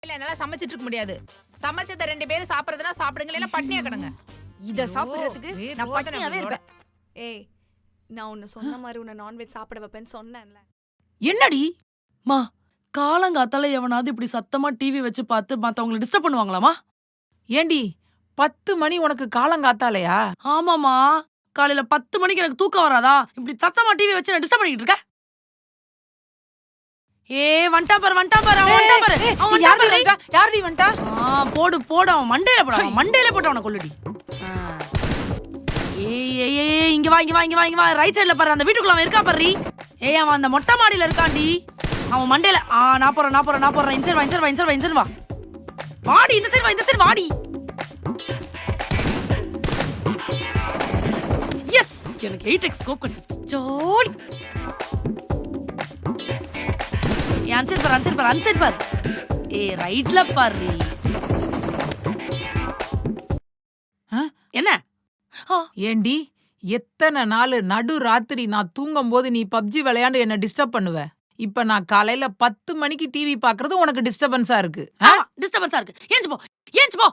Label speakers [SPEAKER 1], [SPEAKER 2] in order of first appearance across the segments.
[SPEAKER 1] இல்ல என்னால சமைச்சிட்டு இருக்க முடியாது. சமைச்சத 2 பேரும் சாப்பிடுறதுனா சாப்பிடுங்க, இல்ல பட்னியா கிடங்க.
[SPEAKER 2] இத சாப்பிடுறதுக்கு நான் பட்னியாவே இருப்பேன்.
[SPEAKER 3] ஏய், நான் உன்னை சொன்ன மாதிரி உன்னை நான்வெஜ் சாப்பிட வைப்பேன்னு சொன்னேன்ல.
[SPEAKER 4] என்னடி மா காலங்காத்தால எவனாவது இப்படி சத்தமா டிவி வச்சு பார்த்து மத்தவங்களை டிஸ்டர்ப் பண்ணுவாங்களாமா?
[SPEAKER 2] ஏண்டி 10 மணி உனக்கு காலங்காத்தாலையா?
[SPEAKER 4] ஆமாமா, காலையில 10 மணிக்கு எனக்கு தூக்கம் வராதா? இப்படி சத்தமா டிவி வச்சு நான் டிஸ்டர்ப் பண்ணிட்டு இருக்க? ஏ வண்டா பாரு அவன் வண்டா பாரு.
[SPEAKER 2] யாரடி வண்டா?
[SPEAKER 4] போடு அவன் மண்டையில போட அவனை கொல்லுடி. ஏய் இங்க வா ரைட் சைடுல பாரு, அந்த வீட்டுக்குள்ள அவன் இருக்கா பாரு. ஏய் அவன் அந்த மொட்டை மாடியில இருக்காண்டி, அவன் மண்டையில. நான் போறேன். இன்சைட் வா. வாடி இந்த சைடு வாடி. எஸ், எனக்கு 8x ஸ்கோப் கிடைச்சிச்சு. ஜோடி. அன்சைட் பாரு. ஏய் ரைட்ல பாரு. என்ன
[SPEAKER 2] ஏண்டி எத்தனை நாள் நடு ராத்திரி நான் தூங்கும் போது நீ பப்ஜி விளையாண்டு என்ன டிஸ்டர்ப் பண்ணுவ? இப்ப நான் காலையில 10 மணிக்கு டிவி பாக்குறது உனக்கு டிஸ்டர்பன்ஸா இருக்கு.
[SPEAKER 4] ஏஞ்சு போ.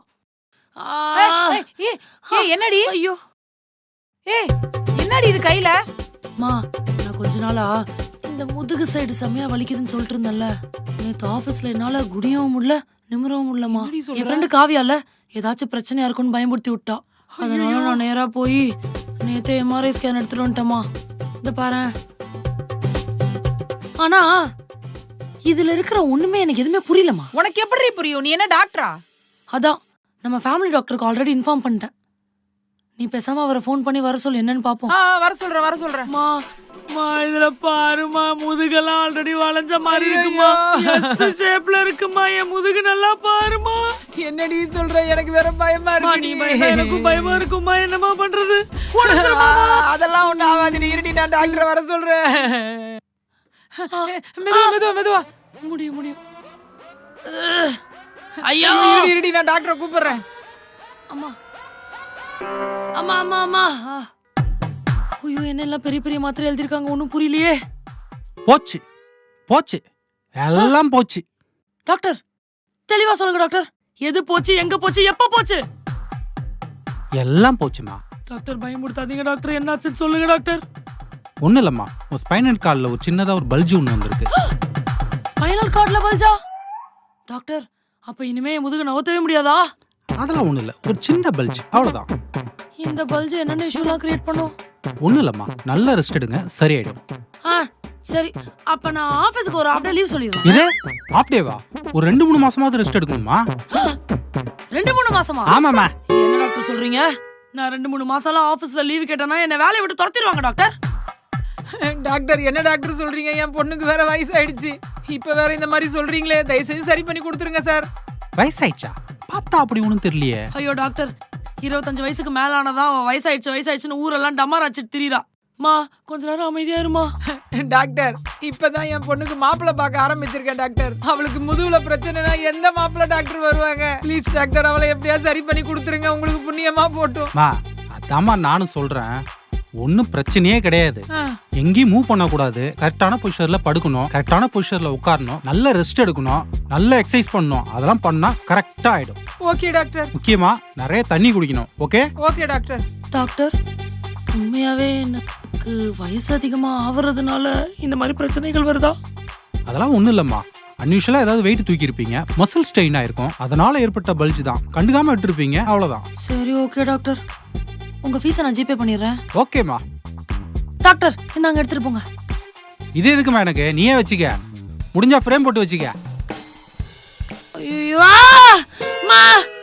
[SPEAKER 2] என்னடி?
[SPEAKER 4] ஐயோ,
[SPEAKER 2] என்னடி இது கையில?
[SPEAKER 4] மா நான் கொஞ்ச நாளா இந்த முதுகு சைடு செமையா வலிக்குதுன்னு சொல்லிட்டு இருந்தேன்ல, நேத்து ஆபீஸ்ல என்னால குடியவும் முடியல நிமிரவும் முடியலமா. என் ஃப்ரெண்டு காவியால ஏதாச்சும் பிரச்சனையா இருக்குன்னு பயமுறுத்தி விட்டா. அதனால நான் நேரா போய் நேத்து எம்ஆர்ஐ ஸ்கேன் எடுத்துட்டு வந்துட்டேமா. இந்த பாரு. ஆனா இதுல இருக்கிற ஒண்ணுமே எனக்கு எதுவுமே புரியலமா.
[SPEAKER 2] உனக்கு எப்படி புரியும்? நீ என்ன டாக்டரா?
[SPEAKER 4] அதான் நம்ம ஃபேமிலி டாக்டருக்கு ஆல்ரெடி இன்ஃபார்ம் பண்ணிட்டேன். நீ பேசாம அவரை ஃபோன் பண்ணி வர சொல்லு, என்னன்னு பாப்போம்.
[SPEAKER 2] வர சொல்றேன்.
[SPEAKER 4] மா இதுல பாருமா, முதுகெல்லாம் ஆல்ரெடி வளைஞ்ச மாதிரி இருக்குமா. எஸ் ஷேப்ல இருக்குமா என் முதுகு, நல்லா பாருமா.
[SPEAKER 2] என்னடி சொல்ற? எனக்கு வேற பயமா இருக்கு.
[SPEAKER 4] நீ எனக்கும் பயமா இருக்குமா, என்னமா பண்றது?
[SPEAKER 2] அதெல்லாம் ஒண்ணு ஆகாது. நீ இருடி, நான் டாக்டர் வர சொல்றேன். மெதுவா.
[SPEAKER 4] முடியும். ஐயோ
[SPEAKER 2] இருடி, நான் டாக்டரை கூப்பிடுறேன்.
[SPEAKER 4] அம்மா. ஐயோ, என்னெல்லாம் பெரிய மாத்திரை எழுதிருக்காங்க, ஒன்னும் புரியலையே.
[SPEAKER 5] போச்சு எல்லாம் போச்சு.
[SPEAKER 4] டாக்டர் தெளிவா சொல்லுங்க டாக்டர். எது போச்சு, எங்க போச்சு, எப்ப போச்சு?
[SPEAKER 5] எல்லாம் போச்சுமா.
[SPEAKER 4] டாக்டர் பயமுடுத்தாதீங்க டாக்டர், என்னாச்சுன்னு சொல்லுங்க டாக்டர்.
[SPEAKER 5] ஒன்னும் இல்லம்மா, உன் ஸ்பைனல் கார்ட்ல ஒரு சின்னதா ஒரு பல்ஜ் ஒண்ணு வந்திருக்கு.
[SPEAKER 4] ஸ்பைனல் கார்ட்ல பல்ஜா? டாக்டர் அப்ப இனிமே என் முதுகு நவத்தவே முடியாதா?
[SPEAKER 5] அதெல்லாம் ஒண்ணும் இல்ல, ஒரு சின்ன பல்ஜ், அவ்வளவுதான்.
[SPEAKER 4] இந்த பல்ஜ் என்னென்ன இஷ்யூலாம் கிரியேட் பண்ணும்?
[SPEAKER 5] ஒண்ணும் இல்லம்மா, நல்ல ரெஸ்ட் எடுங்க, சரியாயிடும்.
[SPEAKER 4] சரி, அப்ப நான் ஆபீஸ்க்கு ஒரு 1/2 டே லீவ் சொல்லிடுறேன்.
[SPEAKER 5] இது ஆஃப் டேவா? ஒரு 2-3 மாசமாவது ரெஸ்ட் எடுக்கணுமா?
[SPEAKER 4] 2-3 மாசமா?
[SPEAKER 5] ஆமாமா.
[SPEAKER 4] என்ன டாக்டர் சொல்றீங்க? நான் 2-3 மாசம்லாம் ஆபீஸ்ல லீவ் கேட்டேன்னா என்ன வேலையை விட்டு துரத்திடுவாங்க டாக்டர்.
[SPEAKER 2] டாக்டர் என்ன டாக்டர் சொல்றீங்க? என் பொண்ணுக்கு வேற வயசாயிடுச்சு, இப்ப வேற இந்த மாதிரி சொல்றீங்களே, தயவு செஞ்சு சரி பண்ணி கொடுத்துருங்க சார்.
[SPEAKER 5] வயசாயிடுச்சா? பார்த்தா அப்படி ஒண்ணும் தெரியலையே.
[SPEAKER 4] ஐயோ டாக்டர், 25 வயசுக்கு மேல ஆனதான் வயசாயிடுச்சுன்னு ஊரெல்லாம் டமார் அடிச்சிட்டு திரியுறா. மா கொஞ்ச நேரம் அமைதியா இருமா.
[SPEAKER 2] டாக்டர் இப்பதான் என் பொண்ணுக்கு மாப்பிள்ளை பார்க்க ஆரம்பிச்சிருக்கேன் டாக்டர். அவளுக்கு முதுகுல பிரச்சனைனா எந்த மாப்பிள்ளை டாக்டர் வருவாங்க? ப்ளீஸ் டாக்டர், அவளை எப்படியா சரி பண்ணி கொடுத்துருங்க, உங்களுக்கு புண்ணியமா போட்டும்.
[SPEAKER 5] அதாம்மா நானும் சொல்றேன், ஒன்னும் பிரச்சனையே கிடையாது. எங்கேயும் மூவ் பண்ணக்கூடாது, கரெக்டான பொசிஷன்ல படுக்கணும், கரெக்டான பொசிஷன்ல உட்காரணும், நல்ல ரெஸ்ட் எடுக்கணும், நல்ல எக்ஸசைஸ் பண்ணணும். அதெல்லாம் பண்ணா கரெக்டா ஆயிடும்.
[SPEAKER 2] Okay doctor.
[SPEAKER 5] முக்கியமா நிறைய தண்ணி குடிக்கணும். Okay
[SPEAKER 2] doctor.
[SPEAKER 4] டாக்டர் உண்மையாவே எனக்கு வயசு அதிகமா ஆவறதுனால இந்த மாதிரி பிரச்சனைகள் வருதா?
[SPEAKER 5] அதெல்லாம் ஒண்ணும் இல்லம்மா, அன்யூஷுவலா ஏதாவது வெயிட் தூக்கி இருப்பீங்க, மசில் ஸ்ட்ரெயின் ஆயிருக்கும், அதனால ஏற்பட்ட பல்ஜ் தான். கண்டுக்காம விட்டுருப்பீங்க, அவ்வளவுதான்.
[SPEAKER 4] சரி ஓகே டாக்டர், உங்க ஃபீஸை நான் ஜிபே பண்ணிடுறேன்.
[SPEAKER 5] ஓகேம்மா.
[SPEAKER 4] டாக்டர் இந்தாங்க எடுத்துட்டு போங்க.
[SPEAKER 5] இது எதுக்குமா எனக்கு? நீயே வச்சுக்க, முடிஞ்சா ஃப்ரேம் போட்டு வச்சுக்க.
[SPEAKER 4] ஐயோ மா